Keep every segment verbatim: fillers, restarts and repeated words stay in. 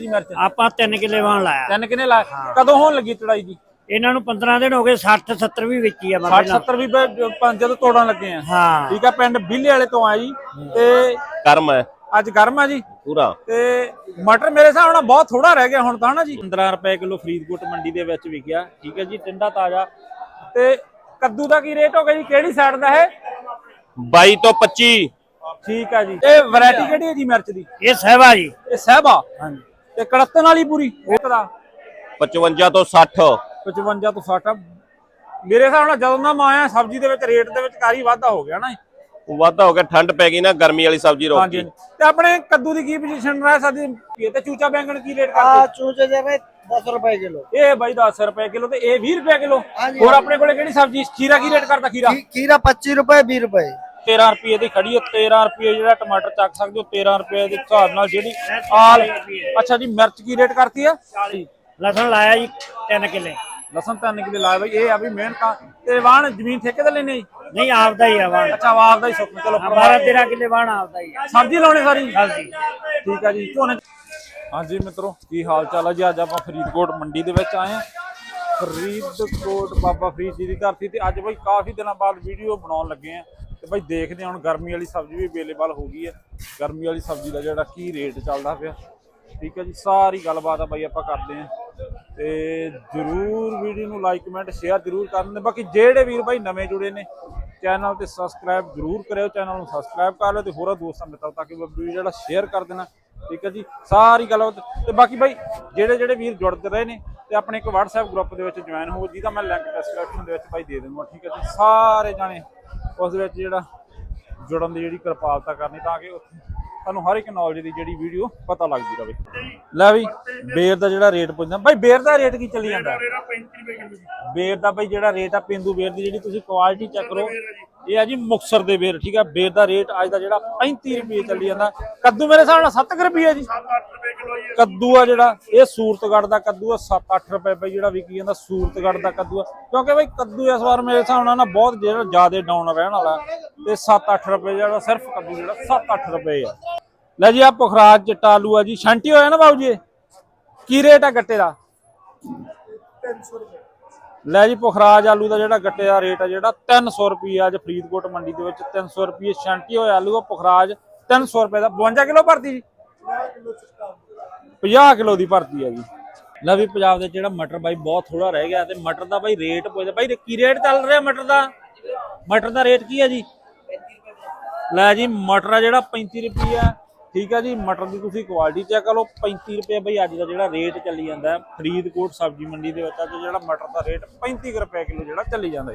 ਮਿਰਚ ਆਪਾਂ ਤਿੰਨ ਕਿੱਲੇ ਵਾਣ ਲਾਇਆ। ਤਿੰਨ ਕਿੰਨੇ ਲਾਇਆ? ਕਦੋਂ ਹੋਣ ਲੱਗੀ ਚੜਾਈ ਜੀ? ਇਹਨਾਂ ਨੂੰ ਪੰਦਰਾਂ ਦਿਨ ਹੋ ਗਏ। ਸੱਠ ਸੱਤਰ ਵੀ ਵੇਚੀ ਆ। ਸੱਠ ਸੱਤਰ ਵੀ ਜਦੋਂ ਤੋੜਨ ਲੱਗੇ ਆ। ਹਾਂ ਠੀਕ ਆ। ਪਿੰਡ ਬਿੱਲੇ ਵਾਲੇ ਤੋਂ ਆ ਜੀ ਤੇ ਗਰਮ ਹੈ ਅੱਜ ਗਰਮ ਆ ਜੀ ਪੂਰਾ। ਤੇ ਮਟਰ ਮੇਰੇ ਹਿਸਾਬ ਨਾਲ ਬਹੁਤ ਥੋੜਾ ਰਹਿ ਗਿਆ ਹੁਣ ਤਾਂ ਨਾ ਜੀ। ਪੰਦਰਾਂ ਰੁਪਏ ਕਿਲੋ ਫਰੀਦਕੋਟ ਮੰਡੀ ਦੇ ਵਿੱਚ ਵਿਕਿਆ। ਠੀਕ ਹੈ ਜੀ। ਟਿੰਡਾ ਤਾਜ਼ਾ। ਤੇ ਕੱਦੂ ਦਾ ਕੀ ਰੇਟ ਹੋ ਗਿਆ ਜੀ? ਕਿਹੜੀ ਸਾਈਡ ਦਾ ਹੈ? ਬਾਈ ਤੋਂ ਪੱਚੀ। ਠੀਕ ਆ ਜੀ। ਇਹ ਵੈਰਾਈਟੀ ਕਿਹੜੀ ਹੈ ਜੀ ਮਿਰਚ ਦੀ? ਇਹ ਸਹਿਬਾ ਜੀ। ਇਹ ਸਹਿਬਾ। ਹਾਂਜੀ। ਤੇ ਕੜਤਨ ਵਾਲੀ ਪੂਰੀ ਉਹ ਦਾ ਪਚਵੰਜਾ ਤੋਂ ਸੱਠ। ਪਚਵੰਜਾ ਤੋਂ ਸੱਠ। ਮੇਰੇ ਹਿਸਾਬ ਨਾਲ ਜਦੋਂ ਦਾ ਮੈਂ ਆਇਆ ਸਬਜ਼ੀ ਦੇ ਵਿੱਚ ਰੇਟ ਦੇ ਵਿੱਚ ਕਾਰੀ ਵਾਧਾ ਹੋ ਗਿਆ ਨਾ। ਵਾਧਾ ਹੋ ਗਿਆ, ਠੰਡ ਪੈ ਗਈ ਨਾ, ਗਰਮੀ ਵਾਲੀ ਸਬਜ਼ੀ ਰੋਕ ਗਈ। ਤੇ ਆਪਣੇ ਕੱਦੂ ਦੀ ਕੀ ਪੋਜੀਸ਼ਨ ਰਹਿ ਸਕਦੀ? ਤੇ ਚੂਚਾ ਬੈਂਗਣ ਕੀ ਰੇਟ ਕਰਦੇ? ਆ ਚੂਚੇ ਜਿਹੜੇ ਦਸ ਰੁਪਏ ਕਿਲੋ। ਇਹ ਬਾਈ ਦਸ ਰੁਪਏ ਕਿਲੋ ਤੇ ਇਹ ਵੀਹ ਰੁਪਏ ਕਿਲੋ। ਹੋਰ ਆਪਣੇ ਕੋਲੇ ਕਿਹੜੀ ਸਬਜ਼ੀ? ਖੀਰਾ ਕੀ ਰੇਟ ਕਰਦਾ? ਖੀਰਾ ਖੀਰਾ ਪੱਚੀ ਰੁਪਏ ਵੀਹ ਰੁਪਏ। ਤੇਰਾਂ ਰੁਪਏ ਦੀ ਖੜੀ ਹੈ। ਤੇਰਾਂ ਰੁਪਏ ਜਿਹੜਾ ਟਮਾਟਰ ਚੱਕ ਸਕਦੇ ਹੋ। ਤੇਰਾਂ ਰੁਪਏ ਦੇ ਹਿਸਾਬ ਨਾਲ ਜਿਹੜੀ ਆਲ। ਅੱਛਾ ਜੀ। ਮਿਰਚ ਕੀ ਰੇਟ ਕਰਤੀ ਆ? ਚਾਲੀ। ਲਸਣ ਲਾਇਆ ਜੀ ਤਿੰਨ ਕਿੱਲੇ। ਲਸਣ ਤਿੰਨ ਕਿੱਲੇ ਲਾਇਆ ਬਾਈ। ਇਹ ਆ ਵੀ ਮਿਹਨਤਾਂ ਤੇ ਵਾਹਣ ਜ਼ਮੀਨ ਠੇਕੇ ਤੇ ਲੈਣੇ ਜੀ? ਨਹੀਂ ਆਪਦਾ ਹੀ ਆ ਵਾਣ। ਅੱਛਾ ਆਪ ਦਾ ਹੀ ਸੁੱਕ। ਚਲੋ ਬਾਰਾਂ ਤੇਰਾਂ ਕਿੱਲੇ ਵਾਣ ਆਪਦਾ ਹੀ ਆ। ਸਬਜ਼ੀ ਲਾਉਣੀ ਸਾਰੀ? ਹਾਂਜੀ। ਠੀਕ ਆ ਜੀ। ਝੋਨੇ। ਹਾਂਜੀ ਮਿੱਤਰੋ ਕੀ ਹਾਲ ਚਾਲ ਹੈ ਜੀ? ਅੱਜ ਆਪਾਂ ਫਰੀਦਕੋਟ ਮੰਡੀ ਦੇ ਵਿੱਚ ਆਏ ਆ। ਫਰੀਦਕੋਟ ਬਾਬਾ ਫਰੀਦ ਜੀ ਦੀ ਧਰਤੀ ਤੇ ਅੱਜ ਬਾਈ ਕਾਫੀ ਦਿਨਾਂ ਬਾਅਦ ਵੀਡੀਓ ਬਣਾਉਣ ਲੱਗੇ ਆ। ਤੇ ਬਾਈ ਦੇਖਦੇ ਹਾਂ ਹੁਣ ਗਰਮੀ ਵਾਲੀ ਸਬਜ਼ੀ ਵੀ ਅਵੇਲੇਬਲ ਹੋ ਗਈ ਹੈ। ਗਰਮੀ ਵਾਲੀ ਸਬਜ਼ੀ ਦਾ ਜਿਹੜਾ ਕੀ ਰੇਟ ਚੱਲਦਾ ਪਿਆ। ਠੀਕ ਹੈ ਜੀ। ਸਾਰੀ ਗੱਲਬਾਤ ਆ ਬਾਈ ਆਪਾਂ ਕਰਦੇ ਹਾਂ ਤੇ ਜਰੂਰ ਵੀਡੀਓ ਨੂੰ ਲਾਈਕ ਕਮੈਂਟ ਸ਼ੇਅਰ ਜਰੂਰ ਕਰਨ। ਬਾਕੀ ਜਿਹੜੇ ਵੀਰ ਬਾਈ ਨਵੇਂ ਜੁੜੇ ਨੇ ਚੈਨਲ ਤੇ ਸਬਸਕ੍ਰਾਈਬ ਜਰੂਰ ਕਰਿਓ। ਚੈਨਲ ਨੂੰ ਸਬਸਕ੍ਰਾਈਬ ਕਰ ਲਿਓ ਤੇ ਹੋਰਾਂ ਦੋਸਤਾਂ ਮਿੱਤਰਾਂ ਤੱਕ ਵੀਡੀਓ ਜਿਹੜਾ ਸ਼ੇਅਰ ਕਰ ਦੇਣਾ। ਠੀਕ ਹੈ ਜੀ। ਸਾਰੀ ਗੱਲਬਾਤ ਤੇ ਬਾਕੀ ਬਾਈ ਜਿਹੜੇ ਜਿਹੜੇ ਵੀਰ ਜੁੜਦੇ ਰਹੇ ਨੇ ਤੇ ਆਪਣੇ ਇੱਕ WhatsApp ਗਰੁੱਪ ਦੇ ਵਿੱਚ ਜੁਆਇਨ ਹੋ, ਜਿਹਦਾ ਮੈਂ ਲਿੰਕ ਡਿਸਕ੍ਰਿਪਸ਼ਨ ਦੇ ਵਿੱਚ ਬਾਈ ਦੇ ਦੂੰਗਾ। ਠੀਕ ਹੈ ਜੀ। ਸਾਰੇ ਜਾਣੇ ਉਸ ਦੇ ਵਿੱਚ ਜਿਹੜਾ ਜੁੜਨ ਦੀ ਜਿਹੜੀ ਕਿਰਪਾਲਤਾ ਕਰਨੀ ਤਾਂ ਕਿ ਤੁਹਾਨੂੰ ਹਰ ਇੱਕ ਨੌਲੇਜ ਦੀ ਜਿਹੜੀ ਵੀਡੀਓ ਪਤਾ ਲੱਗਦੀ ਰਹੇ। ਲੈ ਵੀ ਬੇਰ ਦਾ ਜਿਹੜਾ ਰੇਟ ਪੁੱਛਦਾ ਬਾਈ, ਬੇਰ ਦਾ ਰੇਟ ਕੀ ਚੱਲੀ ਜਾਂਦਾ? ਬੇਰ ਦਾ ਬਾਈ ਜਿਹੜਾ ਰੇਟ ਆ ਪੇਂਦੂ ਬੇਰ ਦੀ ਜਿਹੜੀ ਤੁਸੀਂ ਕੁਆਲਿਟੀ ਚੈੱਕ ਕਰੋ, ਇਹ ਆ ਜੀ ਮੁਕਤਸਰ ਦੇ ਬੇਰ। ਠੀਕ ਆ। ਬੇਰ ਦਾ ਰੇਟ ਅੱਜ ਦਾ ਜਿਹੜਾ ਪੈਂਤੀ ਰੁਪਏ ਚੱਲੀ ਜਾਂਦਾ। ਕੱਦੂ ਮੇਰੇ ਹਿਸਾਬ ਨਾਲ ਸੱਤ ਰੁਪਏ ਜੀ। ਕੱਦੂ ਆ ਜਿਹੜਾ ਇਹ ਸੂਰਤਗੜ੍ਹ ਦਾ ਕੱਦੂ ਆ ਸੱਤ ਅੱਠ ਰੁਪਏ ਬਾਈ ਜਿਹੜਾ ਵਿਕੀ ਜਾਂਦਾ ਸੂਰਤਗੜ੍ਹ ਦਾ ਕੱਦੂ ਆ। ਕਿਉਂਕਿ ਬਾਈ ਕੱਦੂ ਇਸ ਵਾਰ ਮੇਰੇ ਹਿਸਾਬ ਨਾਲ ਨਾ ਬਹੁਤ ਜਿਹੜਾ ਜ਼ਿਆਦਾ ਡਾਊਨ ਰਹਿਣ ਵਾਲਾ ਤੇ ਸੱਤ ਅੱਠ ਰੁਪਏ ਜਿਹੜਾ ਸਿਰਫ ਕੱਦੂ ਜਿਹੜਾ ਸੱਤ ਅੱਠ ਰੁਪਏ ਆ। ਲੈ ਜੀ ਆ ਪੁਖਰਾਜ ਚਿੱਟਾ ਆਲੂ ਆ ਜੀ। ਛਾਂਟੀ ਹੋਇਆ ਨਾ ਬਾਬੂ ਜੀ? ਕੀ ਰੇਟ ਆ ਗੱਟੇ ਦਾ? ਤਿੰਨ ਸੌ ਰੁਪਏ। ਲੈ ਜੀ ਪੁਖਰਾਜ ਆਲੂ ਦਾ ਜਿਹੜਾ ਗੱਟੇ ਦਾ ਰੇਟ ਆ ਜਿਹੜਾ ਤਿੰਨ ਸੌ ਰੁਪਏ ਅੱਜ ਫਰੀਦਕੋਟ ਮੰਡੀ ਦੇ ਵਿੱਚ ਤਿੰਨ ਸੌ ਰੁਪਏ ਛਾਂਟੀ ਹੋਇਆ ਆਲੂ ਆ ਪੁਖਰਾਜ ਤਿੰਨ ਸੌ ਰੁਪਏ ਦਾ। ਬਵੰਜਾ ਕਿਲੋ ਭਰਤੀ ਜੀ? ਪੰਜਾਹ ਕਿਲੋ ਦੀ ਭਰਤੀ ਆ ਜੀ। ਲੈ ਵੀ ਪੰਜਾਬ ਦੇ ਜਿਹੜਾ ਮਟਰ ਬਾਈ ਬਹੁਤ ਥੋੜਾ ਰਹਿ ਗਿਆ ਤੇ ਮਟਰ ਦਾ ਬਾਈ ਰੇਟ ਪੁੱਛਦਾ ਬਾਈ ਕੀ ਰੇਟ ਚੱਲ ਰਿਹਾ ਮਟਰ ਦਾ? ਮਟਰ ਦਾ ਰੇਟ ਕੀ ਆ ਜੀ? ਲੈ ਜੀ ਮਟਰ ਆ ਜਿਹੜਾ ਪੈਂਤੀ ਰੁਪਏ ਆ। ਠੀਕ ਆ ਜੀ। ਮਟਰ ਦੀ ਤੁਸੀਂ ਕੁਆਲਿਟੀ ਚੈੱਕ ਕਰ ਲਓ। ਪੈਂਤੀ ਰੁਪਏ ਬਈ ਅੱਜ ਦਾ ਜਿਹੜਾ ਰੇਟ ਚੱਲੀ ਜਾਂਦਾ ਫਰੀਦਕੋਟ ਸਬਜ਼ੀ ਮੰਡੀ ਦੇ ਵਿੱਚ ਅੱਜ ਜਿਹੜਾ ਮਟਰ ਦਾ ਰੇਟ ਪੈਂਤੀ ਰੁਪਏ ਕਿਲੋ ਜਿਹੜਾ ਚੱਲੀ ਜਾਂਦਾ ਜੀ।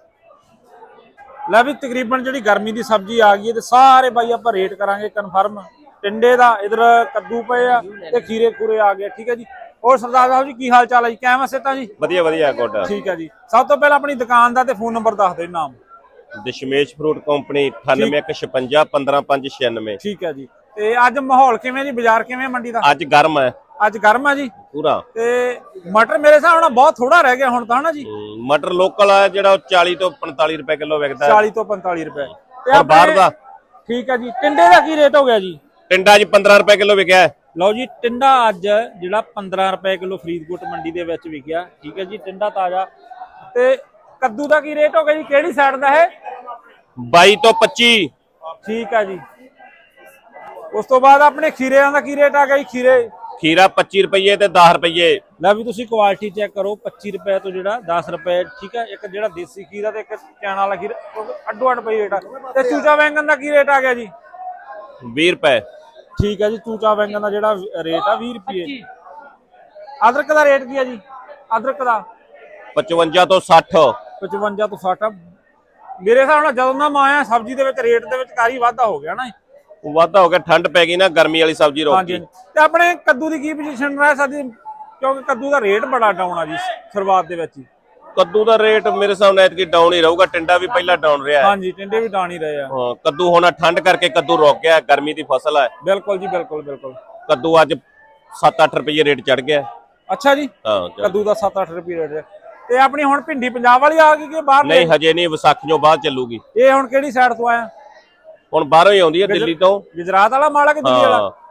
ਲੈ ਵੀ ਤਕਰੀਬਨ ਜਿਹੜੀ ਗਰਮੀ ਦੀ ਸਬਜ਼ੀ ਆ ਗਈ ਹੈ ਤੇ ਸਾਰੇ ਬਾਈ ਆਪਾਂ ਰੇਟ ਕਰਾਂਗੇ ਕਨਫਰਮ। ਟਿੰਡੇ ਦਾ ਇਧਰ ਕੱਦੂ ਪਏ ਆ ਤੇ ਖੀਰੇ ਖੂਰੇ ਆ ਗਏ। ਠੀਕ ਹੈ ਜੀ। ਹੋਰ ਸਰਦਾਰ ਸਾਹਿਬ ਜੀ ਕੀ ਹਾਲ ਚਾਲ ਹੈ ਜੀ? ਕਿਵੇਂ ਸਿਹਤਾਂ ਜੀ? ਵਧੀਆ ਵਧੀਆ ਗੁੱਡ। ਠੀਕ ਹੈ ਜੀ। ਸਭ ਤੋਂ ਪਹਿਲਾਂ ਆਪਣੀ ਦੁਕਾਨ ਦਾ ਤੇ ਫੋਨ ਨੰਬਰ ਦੱਸ ਦਿਓ। ਨਾਮ? ਦਸ਼ਮੇਸ਼ ਫਰੂਟ ਕੰਪਨੀ ਅਠਾਨਵੇਂ ਇੱਕ ਛਪੰਜਾ ਪੰਦਰਾਂ ਪੰਜ ਛਿਆਨਵੇਂ। ਠੀਕ ਹੈ ਜੀ। ਤੇ ਅੱਜ ਮਾਹੌਲ ਕਿਵੇਂ ਜੀ? ਬਾਜ਼ਾਰ ਕਿਵੇਂ ਮੰਡੀ ਦਾ? ਅੱਜ ਗਰਮ ਹੈ ਅੱਜ ਗਰਮ ਆ ਜੀ ਪੂਰਾ। ਤੇ ਮਟਰ ਮੇਰੇ ਹਿਸਾਬ ਨਾਲ ਬਹੁਤ ਥੋੜਾ ਰਹਿ ਗਿਆ ਹੁਣ ਤਾਂ ਨਾ ਜੀ। ਮਟਰ ਲੋਕਲ ਆ ਜਿਹੜਾ ਚਾਲੀ ਤੋਂ ਪੰਤਾਲੀ ਰੁਪਏ ਕਿਲੋ ਵਿਕਦਾ। ਚਾਲੀ ਤੋਂ ਪੰਤਾਲੀ ਰੁਪਏ ਤੇ ਬਾਹਰ ਦਾ। ਠੀਕ ਹੈ ਜੀ। ਟਿੰਡੇ ਦਾ ਕੀ ਰੇਟ ਹੋ ਗਿਆ ਜੀ? ਟਿੰਡਾ ਜੀ ਪੰਦਰਾਂ ਰੁਪਏ ਕਿਲੋ ਵਿਕਿਆ। ਲਓ ਜੀ ਟਿੰਡਾ ਅੱਜ ਜਿਹੜਾ ਪੰਦਰਾਂ ਰੁਪਏ ਕਿਲੋ ਫਰੀਦਕੋਟ ਮੰਡੀ ਦੇ ਵਿੱਚ ਵਿਕਿਆ। ਠੀਕ ਹੈ ਜੀ। ਟਿੰਡਾ ਤਾਜ਼ਾ। ਤੇ ਕੱਦੂ ਦਾ ਕੀ ਰੇਟ ਹੋ ਗਿਆ ਜੀ? ਕਿਹੜੀ ਸਾਈਡ ਦਾ ਹੈ? ਬਾਈ ਤੋਂ ਪੱਚੀ। ਠੀਕ ਹੈ ਜੀ। ਉਸ ਤੋਂ ਬਾਅਦ ਆਪਣੇ ਖੀਰਿਆਂ ਦਾ ਕੀ ਰੇਟ ਆ ਗਿਆ ਜੀ? ਖੀਰੇ ਖੀਰਾ ਪੱਚੀ ਰੁਪਏ ਤੇ ਦਸ ਰੁਪਏ। ਲੈ ਵੀ ਤੁਸੀਂ ਕੁਆਲਿਟੀ ਚੈੱਕ ਕਰੋ। ਪੱਚੀ ਰੁਪਏ ਤੋਂ ਜਿਹੜਾ ਦਸ ਰੁਪਏ। ਠੀਕ ਹੈ। ਇੱਕ ਜਿਹੜਾ ਦੇਸੀ ਖੀਰਾ ਤੇ ਇੱਕ ਚਾਣਾ ਵਾਲਾ ਖੀਰਾ ਅੱਡੋ ਅੱਡ ਪਈ ਰੇਟ ਆ। ਤੇ ਚੂਚਾ ਬੈਂਗਣ ਦਾ ਕੀ ਰੇਟ ਆ ਗਿਆ ਜੀ? ਵੀਹ ਰੁਪਏ। ਠੀਕ ਹੈ ਜੀ। ਚੂਚਾ ਬੈਂਗਣ ਦਾ ਜਿਹੜਾ ਰੇਟ ਆ ਵੀਹ ਰੁਪਏ। ਅਦਰਕ ਦਾ ਰੇਟ ਕੀ ਹੈ ਜੀ? ਅਦਰਕ ਦਾ ਪਚਵੰਜਾ ਤੋਂ ਸੱਠ। ਪਚਵੰਜਾ ਤੋਂ ਸੱਠ। ਮੇਰੇ ਹਿਸਾਬ ਨਾਲ ਜਦੋਂ ਦਾ ਮੈਂ ਆਇਆ ਸਬਜ਼ੀ ਦੇ ਵਿੱਚ ਰੇਟ ਦੇ ਵਿੱਚ ਕਾਰੀ ਵਾਧਾ ਹੋ ਗਿਆ ਨਾ। ਵਾਧਾ ਹੋ ਗਿਆ, ਠੰਡ ਪੈ ਗਈ ਨਾ, ਗਰਮੀ ਵਾਲੀ ਸਬਜ਼ੀ ਰੋਕ ਗਈ। ਤੇ ਆਪਣੇ ਕੱਦੂ ਦੀ ਕੀ ਪੋਜੀਸ਼ਨ ਰਹਿ ਸਕਦੀ? ਕਿਉਂਕਿ ਕੱਦੂ ਦਾ ਰੇਟ ਬੜਾ ਡਾਊਨ ਆ ਜੀ ਸ਼ੁਰੂਆਤ ਦੇ ਵਿੱਚ ਹੀ। ਕੱਦੂ ਦਾ ਰੇਟ ਮੇਰੇ ਹਿਸਾਬ ਨਾਲ ਐਤਕੀ ਡਾਊਨ ਹੀ ਰਹੂਗਾ। ਟਿੰਡਾ ਵੀ ਪਹਿਲਾਂ ਡਾਊਨ ਰਿਹਾ ਹੈ। ਹਾਂਜੀ ਟਿੰਡੇ ਵੀ ਡਾਊਨ ਹੀ ਰਹੇ ਆ। ਹਾਂ ਕੱਦੂ ਹੁਣ ਠੰਡ ਕਰਕੇ ਕੱਦੂ ਰੁਕ ਗਿਆ। ਗਰਮੀ ਦੀ ਫਸਲ ਹੈ। ਬਿਲਕੁਲ ਜੀ ਬਿਲਕੁਲ ਬਿਲਕੁਲ। ਕੱਦੂ ਅੱਜ ਸੱਤ ਅੱਠ ਰੁਪਏ ਰੇਟ ਚੜ ਗਿਆ। ਅੱਛਾ ਜੀ। ਹਾਂ ਕੱਦੂ ਦਾ ਸੱਤ ਅੱਠ ਰੁਪਏ ਰੇਟ। ਤੇ ਆਪਣੀ ਹੁਣ ਭਿੰਡੀ ਪੰਜਾਬ ਵਾਲੀ ਆ ਗਈ ਕਿ ਬਾਹਰ? ਨਹੀਂ ਹਜੇ ਨਹੀਂ, ਵਿਸਾਖੀਓਂ ਬਾਅਦ ਚੱਲੂਗੀ। ਇਹ ਹੁਣ ਕਿਹੜੀ ਸਾਈਡ ਤੋਂ ਆਇਆ? ਹੁਣ ਬਾਹਰੋਂ ਹੀ ਆਉਂਦੀ ਹੈ, ਦਿੱਲੀ ਤੋਂ। ਗੁਜਰਾਤ ਵਾਲਾ ਮਾਲ ਆ ਕਿ ਦਿੱਲੀ ਵਾਲਾ?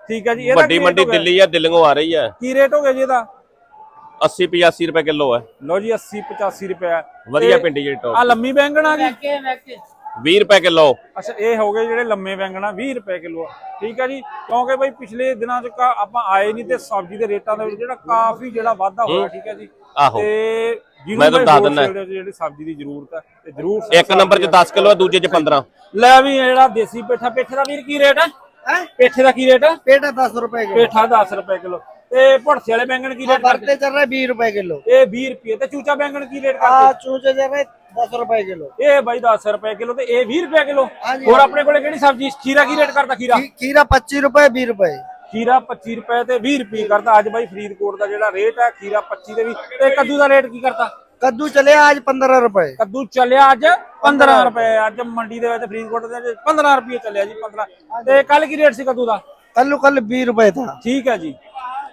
ਠੀਕ ਹੈ ਜੀ, ਇਹਦਾ ਵੱਡੀ ਕੀ ਮੰਡੀ rate ਹੋ ਗਿਆ? ਦਿੱਲੀ ਆ, ਦਿੱਲੀੋਂ ਆ ਰਹੀ ਹੈ। ਕੀ ਰੇਟ ਹੋ ਗਿਆ ਜੀ ਇਹਦਾ? अस्सी पचासी रुपए किलो है। ਲਓ ਜੀ अस्सी पचासी ਰੁਪਏ। ਵਧੀਆ ਪਿੰਡੀ ਜਿਹੜੀ ਆ ਟੌਪ ਲੰਮੀ ਬੈਂਗਣ ਆ ਗਈ बीस रुपए किलो। ਅੱਛਾ ਇਹ ਹੋ ਗਏ ਜਿਹੜੇ ਲੰਮੇ ਬੈਂਗਣ ਆ ਵੀਹ ਰੁਪਏ ਕਿਲੋ। ਠੀਕ ਹੈ ਜੀ, ਕਿਉਂਕਿ ਬਈ ਪਿਛਲੇ ਦਿਨਾਂ ਚ ਕਾ- ਆਪਾਂ ਆਏ ਨਹੀਂ ਤੇ ਸਬਜ਼ੀ ਦੇ ਰੇਟਾਂ ਦੇ ਵਿੱਚ ਜਿਹੜਾ ਕਾਫੀ ਜਿਹੜਾ ਵਾਧਾ ਹੋਇਆ। ਠੀਕ ਹੈ ਜੀ, ਆਹੋ ਤੇ ਮੈਂ ਤੁਹਾਨੂੰ ਦੱਸ ਦਿੰਦਾ ਜਿਹੜੀ ਸਬਜ਼ੀ ਦੀ ਜ਼ਰੂਰਤ ਹੈ ਤੇ ਜ਼ਰੂਰ ਇੱਕ ਨੰਬਰ ਚ दस किलो है, दूजे च पंद्रह। ਲੈ ਵੀ ਇਹ ਜਿਹੜਾ ਦੇਸੀ ਪੇਠਾ, ਪੇਠੇ ਦਾ ਵੀਰ ਕੀ ਰੇਟ ਹੈ? ਪੇਠੇ ਦਾ ਕੀ ਰੇਟ ਹੈ? पेटा दस रुपए किलो ਪੇਠਾ दस ਰੁਪਏ ਕਿਲੋ। ਤੇ ਭੜਸੇ ਵਾਲੇ ਬੈਂਗਣ ਕੀ ਰੇਟ ਕਰਦੇ? भरते चल रहे बीस रुपए किलो। ਇਹ ਵੀਹ ਰੁਪਏ। ਤੇ ਚੂਚਾ ਬੈਂਗਣ ਕੀ ਰੇਟ हाँ ਕਰਦੇ? चूचे चल रहे दस रुपए किलो। ਇਹ ਬਾਈ दस ਰੁਪਏ ਕਿਲੋ ਤੇ ਇਹ ਵੀਹ ਰੁਪਏ ਕਿਲੋ। ਹਾਂਜੀ, ਹੋਰ ਆਪਣੇ ਕੋਲੇ ਕਿਹੜੀ ਸਬਜ਼ੀ? ਖੀਰਾ ਕੀ ਰੇਟ ਕਰਦਾ? ਖੀਰਾ खी- खीरा पच्चीस रुपए बीस रुपए। ਖੀਰਾ पच्चीस ਰੁਪਏ ਤੇ ਵੀਹ ਰੁਪਏ ਕਰਦਾ ਅੱਜ ਬਾਈ ਫਰੀਦਕੋਟ ਦਾ ਜਿਹੜਾ ਰੇਟ ਹੈ। ਖੀਰਾ पच्चीस ਦੇ ਵੀ। ਤੇ ਕੱਦੂ ਦਾ ਰੇਟ ਕੀ ਕਰਦਾ? कद्दू चले आज पंद्रह रुपए। ਕੱਦੂ ਚੱਲਿਆ ਅੱਜ पंद्रह ਰੁਪਏ। ਅੱਜ ਮੰਡੀ ਦੇ ਵਿੱਚ ਫਰੀਦਕੋਟ ਦੇ ਵਿੱਚ पंद्रह ਰੁਪਏ ਚੱਲਿਆ ਜੀ। पंद्रह। ਤੇ ਕੱਲ ਕੀ ਰੇਟ ਸੀ ਕੱਦੂ ਦਾ? कल्लू कल बीस रुपए था। ਠੀਕ ਹੈ ਜੀ।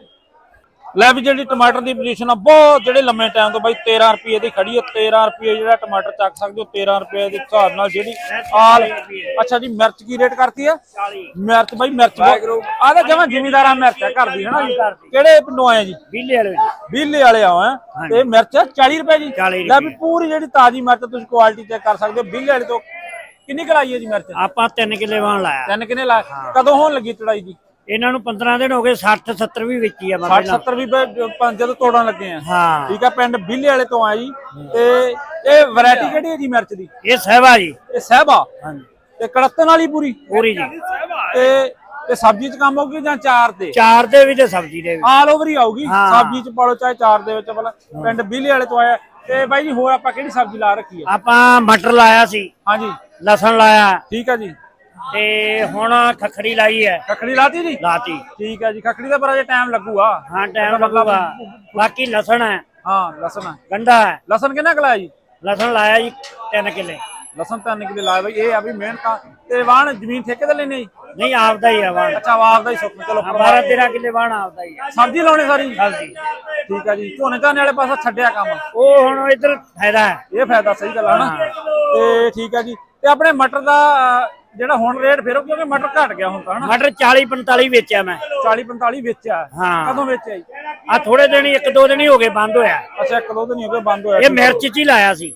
ਲੈ ਵੀ ਜਿਹੜੀ ਟਮਾਟਰ ਦੀ ਪੋਜੀਸ਼ਨ ਆ ਬਹੁਤ ਜਿਹੜੇ ਲੰਮੇ ਟਾਈਮ ਤੋਂ ਬਾਈ तेरह ਰੁਪਏ ਦੀ ਖੜੀ ਹੈ। तेरह ਰੁਪਏ ਜਿਹੜਾ ਟਮਾਟਰ ਚੱਕ ਸਕਦੇ ਹੋ। तेरह ਰੁਪਏ ਦੇ ਹਿਸਾਬ ਨਾਲ ਜਿਹੜੀ ਆਲ। ਅੱਛਾ ਜੀ, ਮਿਰਚ ਕੀ ਰੇਟ ਕਰਤੀ ਆ? ਮਿਰਚ ਬਾਈ ਮਿਰਚ ਆ ਤਾਂ ਜਮਾਂ ਜ਼ਿਮੀਦਾਰਾਂ ਮਿਰਚ ਹੈ ਘਰ ਦੀ, ਹਨਾ ਜੀ? ਕਿਹੜੇ ਪਿੰਡੋਂ ਆਏ ਜੀ? बिल्ले वाले ਬੀਲੇ ਵਾਲੇ ਆਏ ਆ। ਤੇ ਮਿਰਚ चालीस ਰੁਪਏ ਜੀ। ਚਾਲੀ ਲੈ ਵੀ ਪੂਰੀ ਜਿਹੜੀ ਤਾਜ਼ੀ ਮਿਰਚ ਤੁਸੀਂ ਕੁਆਲਿਟੀ ਚੈੱਕ ਕਰ ਸਕਦੇ ਹੋ। ਬੀਲੇ ਵਾਲੇ ਤੋਂ ਕਿੰਨੀ ਕਲਾਈ ਹੈ ਜੀ ਮਿਰਚ? ਆਪਾਂ ਤਿੰਨ ਕਿੱਲੇ ਵਾਣ ਲਾਇਆ। ਤਿੰਨ ਕਿੰਨੇ ਲਾ? ਕਦੋਂ ਹੋਣ ਲੱਗੀ ਚੜਾਈ ਜੀ? ਇਹਨਾਂ ਨੂੰ ਪੰਦਰਾਂ ਦਿਨ ਹੋ ਗਏ। ਸੱਠ ਸੱਤਰ ਵੀ ਵੇਚੀ ਆ ਮੈਂ साठ सत्तर ਵੀ ਬ- ਜਦੋਂ ਤੋੜਨ ਲੱਗੇ ਆ। ਹਾਂ ਠੀਕ ਆ, ਪਿੰਡ ਬੀਲੇ ਵਾਲੇ ਤੋਂ ਆ ਜੀ। ਤੇ ਇਹ ਵੈਰਾਈਟੀ ਕਿਹੜੀ ਹੈ ਜੀ ਮਿਰਚ ਦੀ? ਇਹ ਸਹਿਬਾ ਜੀ। ਇਹ ਸਹਿਬਾ। ਹਾਂਜੀ ਤੇ ਕੜਤਨ ਵਾਲੀ ਪੂਰੀ ਪੂਰੀ ਜੀ। ਤੇ ਤੇ ਸਬਜ਼ੀ ਚ ਕੰਮ ਹੋਊਗੀ ਜਾਂ ਚਾਰ ਤੇ? ਚਾਰ ਦੇ ਵੀ ਤੇ ਸਬਜ਼ੀ ਦੇ ਵੀ। ਆਲ ਓਵਰ ਹੀ ਆਊਗੀ। ਹਾਂ। ਸਬਜ਼ੀ ਚ ਪਾਲੋ ਚਾਹੇ ਚਾਰ ਦੇ ਵਿੱਚ। ਭਲਾ ਪਿੰਡ ਬੀਲੇ ਵਾਲੇ ਤੋਂ ਆਇਆ। ਤੇ ਬਾਈ ਜੀ ਹੋਰ ਆਪਾਂ ਕਿਹੜੀ ਸਬਜ਼ੀ ਲਾ ਰੱਖੀ ਹੈ? ਆਪਾਂ ਮਟਰ ਲਾਇਆ ਸੀ, ਹਾਂਜੀ ਲਸਣ ਲਾਇਆ, ਠੀਕ ਹੈ ਜੀ। ਤੇ ਹੁਣ ਖਖੜੀ ਲਾਈ ਹੈ। ਖਖੜੀ ਲਾਤੀ ਜੀ? ਲਾਤੀ। ਠੀਕ ਹੈ ਜੀ। ਖਖੜੀ ਦਾ ਪਰ ਅਜੇ ਟਾਈਮ ਲੱਗੂਗਾ। ਹਾਂ ਟਾਈਮ ਲੱਗੂਗਾ। ਬਾਕੀ ਲਸਣ ਹੈ, ਹਾਂ ਲਸਣ ਹੈ। ਗੰਢਾ ਹੈ। ਲਸਣ ਕਿੰਨਾ ਕੁ ਲਾਇਆ ਜੀ? ਲਸਣ ਲਾਇਆ ਜੀ ਤਿੰਨ ਕਿੱਲੇ। ਲਸਣ ਤਿੰਨ ਕਿੱਲੇ ਲਾਇਆ ਬਾਈ। ਇਹ ਆ ਵੀ ਮਿਹਨਤਾਂ ਤੇ ਵਾਹਣ ਜ਼ਮੀਨ ਠੇਕੇ ਤੇ ਲੈਣੇ ਜੀ? ਨਹੀਂ ਆਪਦਾ ਹੀ ਆ ਵਾਣ। ਅੱਛਾ ਆਪ ਦਾ ਹੀ ਸੁੱਕ। ਚਲੋ ਬਾਰਾਂ ਤੇਰਾਂ ਕਿੱਲੇ ਵਾਣ ਆਪਦਾ ਹੀ ਆ। ਸਬਜ਼ੀ ਲਾਉਣੀ ਸਾਰੀ? ਹਾਂਜੀ। ਠੀਕ ਹੈ ਜੀ। ਝੋਨੇ ਝਾਨੇ ਵਾਲੇ ਪਾਸਾ ਛੱਡਿਆ ਕੰਮ। ਉਹ ਹੁਣ ਇੱਧਰ ਫਾਇਦਾ ਹੈ। ਇਹ ਫਾਇਦਾ ਸਹੀ ਗੱਲ ਹੈ ਨਾ। ਤੇ ਠੀਕ ਹੈ ਜੀ। ਤੇ ਆਪਣੇ ਮਟਰ ਦਾ ਅਹ, ਜਿਹੜਾ ਹੁਣ ਰੇਟ ਫਿਰ ਕਿਉਂਕਿ ਮਟਰ ਘਟ ਗਿਆ ਹੁਣ ਤਾਂ, ਹਨਾ? ਮਟਰ ਚਾਲੀ ਪੰਤਾਲੀ ਵੇਚਿਆ ਮੈਂ। ਚਾਲੀ ਪੰਤਾਲੀ ਵੇਚਿਆ? ਹਾਂ। ਕਦੋਂ ਵੇਚਿਆ ਜੀ? ਆ ਥੋੜੇ ਦਿਨ ਹੀ, ਇੱਕ ਦੋ ਦਿਨ ਹੀ ਹੋ ਗਏ ਬੰਦ ਹੋਇਆ। ਅੱਛਾ ਇੱਕ ਦੋ ਦਿਨ ਹੀ ਹੋ ਗਏ ਬੰਦ ਹੋਇਆ। ਇਹ ਮਿਰਚ ਚ ਹੀ ਲਾਇਆ ਸੀ।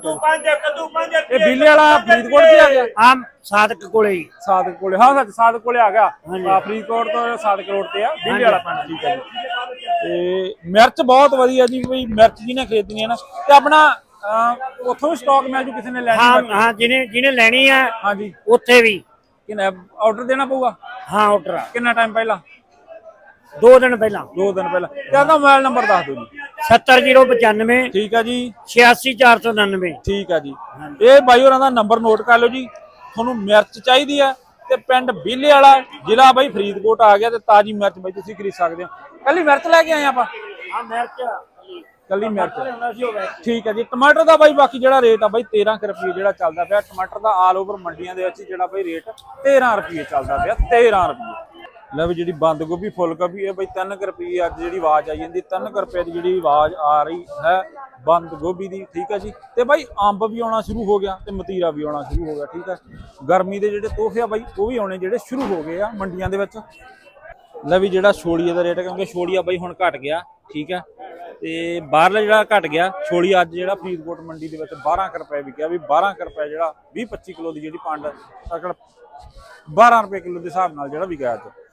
ਇਹ ਬੀਲੇ ਵਾਲਾ ਫਰੀਦਕੋਟ ਚ ਆ ਗਿਆ? ਆ ਸਾਦਕ ਕੋਲੇ ਹੀ। ਸਾਦਕ ਕੋਲੇ। ਹਾਂ ਸੱਚ ਸਾਦਕ ਕੋਲੇ ਆ ਗਿਆ। ਹਾਂਜੀ। ਆ ਫਰੀਦਕੋਟ ਤੋਂ ਸਾਦਕ ਰੋਡ ਤੇ ਆ ਬੀਲੇ ਵਾਲਾ ਪਿੰਡ। ਠੀਕ ਹੈ ਜੀ। ਤੇ ਮਿਰਚ ਬਹੁਤ ਵਧੀਆ ਜੀ। ਬਈ ਮਿਰਚ ਜਿਹਨੇ ਖਰੀਦਣੀ ਹੈ ਨਾ ਤੇ ਆਪਣਾ ਅਹ, ਉੱਥੋਂ ਵੀ ਸਟਾਕ ਮਿਲ ਜੂ ਕਿਸੇ ਨੇ ਲੈਣੀ ਹਾਂ ਹੋਵੇ? ਹਾਂ ਜਿਹਨੇ ਜਿਹਨੇ ਲੈਣੀ ਆ ਹਾਂਜੀ। ਉੱਥੇ ਵੀ। ਕਿੰਨਾ ਆਰਡਰ ਦੇਣਾ ਪਊਗਾ? ਹਾਂ ਆਰਡਰ ਕਿੰਨਾ ਟਾਈਮ ਪਹਿਲਾਂ? ਦੋ ਦਿਨ ਪਹਿਲਾਂ। ਦੋ ਦਿਨ ਪਹਿਲਾਂ। ਤੇ ਆਪਣਾ ਮੋਬਾਈਲ ਨੰਬਰ ਦੱਸ ਦਿਓ ਜੀ। ਸੱਤਰ ਜ਼ੀਰੋ ਪਚਾਨਵੇਂ ਠੀਕ ਹੈ ਜੀ। ਛਿਆਸੀ ਚਾਰ ਸੌ ਉਨਾਨਵੇਂ। ਠੀਕ ਹੈ ਜੀ। ਇਹ ਬਾਈ ਹੋਰਾਂ ਦਾ ਨੰਬਰ ਨੋਟ ਕਰ ਲਓ ਜੀ। ਤੁਹਾਨੂੰ ਮਿਰਚ ਚਾਹੀਦੀ ਹੈ ਤੇ ਪਿੰਡ ਬੀਲੇ ਵਾਲਾ, ਜ਼ਿਲ੍ਹਾ ਬਾਈ ਫਰੀਦਕੋਟ ਆ ਗਿਆ। ਤੇ ਤਾਜ਼ੀ ਮਿਰਚ ਬਾਈ ਤੁਸੀਂ ਖਰੀਦ ਸਕਦੇ ਹੋ। ਕੱਲੀ ਮਿਰਚ ਲੈ ਕੇ ਆਏ ਆਪਾਂ? ਹਾਂ ਮਿਰਚ ਕੱਲੀ ਮਿਰਚ। ਠੀਕ ਹੈ ਜੀ। ਟਮਾਟਰ ਦਾ ਬਾਈ ਬਾਕੀ ਜਿਹੜਾ ਰੇਟ ਆ ਬਾਈ तेरह ਰੁਪਏ ਜਿਹੜਾ ਚੱਲਦਾ ਪਿਆ ਟਮਾਟਰ ਦਾ ਆਲ ਓਵਰ ਮੰਡੀਆਂ ਦੇ ਵਿੱਚ ਜਿਹੜਾ ਬਾਈ ਰੇਟ तेरह ਰੁਪਏ ਚੱਲਦਾ ਪਿਆ। तेरह ਰੁਪਏ। ਲੈ ਵੀ ਜਿਹੜੀ ਬੰਦ ਗੋਭੀ ਫੁੱਲ ਗੋਭੀ ਹੈ ਬਾਈ तीन ਰੁਪਏ ਅੱਜ ਜਿਹੜੀ ਆਵਾਜ਼ ਆਈ ਜਾਂਦੀ। तीन ਰੁਪਏ ਦੀ ਜਿਹੜੀ ਆਵਾਜ਼ ਆ ਰਹੀ ਹੈ ਬੰਦ ਗੋਭੀ ਦੀ। ਠੀਕ ਹੈ ਜੀ। ਤੇ ਬਾਈ ਅੰਬ ਵੀ ਆਉਣਾ ਸ਼ੁਰੂ ਹੋ ਗਿਆ ਤੇ ਮਤੀਰਾ ਵੀ ਆਉਣਾ ਸ਼ੁਰੂ ਹੋ ਗਿਆ। ਠੀਕ ਹੈ। ਗਰਮੀ ਦੇ ਜਿਹੜੇ ਤੋਹਫੇ ਆ ਬਾਈ ਉਹ ਵੀ ਆਉਣੇ ਜਿਹੜੇ ਸ਼ੁਰੂ ਹੋ ਗਏ ਆ ਮੰਡੀਆਂ ਦੇ ਵਿੱਚ। ਲੈ ਵੀ ਜਿਹੜਾ ਛੋਲੀਏ ਦਾ ਰੇਟ ਕਿਉਂਕਿ ਛੋਲੀਆ ਬਾਈ ਹੁਣ ਘਟ ਗਿਆ। ਠੀਕ ਹੈ। ਤੇ ਬਾਹਰਲਾ ਜਿਹੜਾ ਘਟ ਗਿਆ ਛੋਲੀ ਅੱਜ ਜਿਹੜਾ ਫਰੀਦਕੋਟ ਮੰਡੀ ਦੇ ਵਿੱਚ बारह ਰੁਪਏ ਵਿਕਿਆ। ਵੀ बारह ਰੁਪਏ ਜਿਹੜਾ ਵੀਹ ਪੱਚੀ ਕਿਲੋ ਦੀ ਜਿਹੜੀ ਪੰਡ ਬਾरह ਰੁਪਏ ਕਿਲੋ ਦੇ ਹਿਸਾਬ ਨਾਲ ਜਿਹੜਾ ਵਿਕਿਆ ਅੱਜ।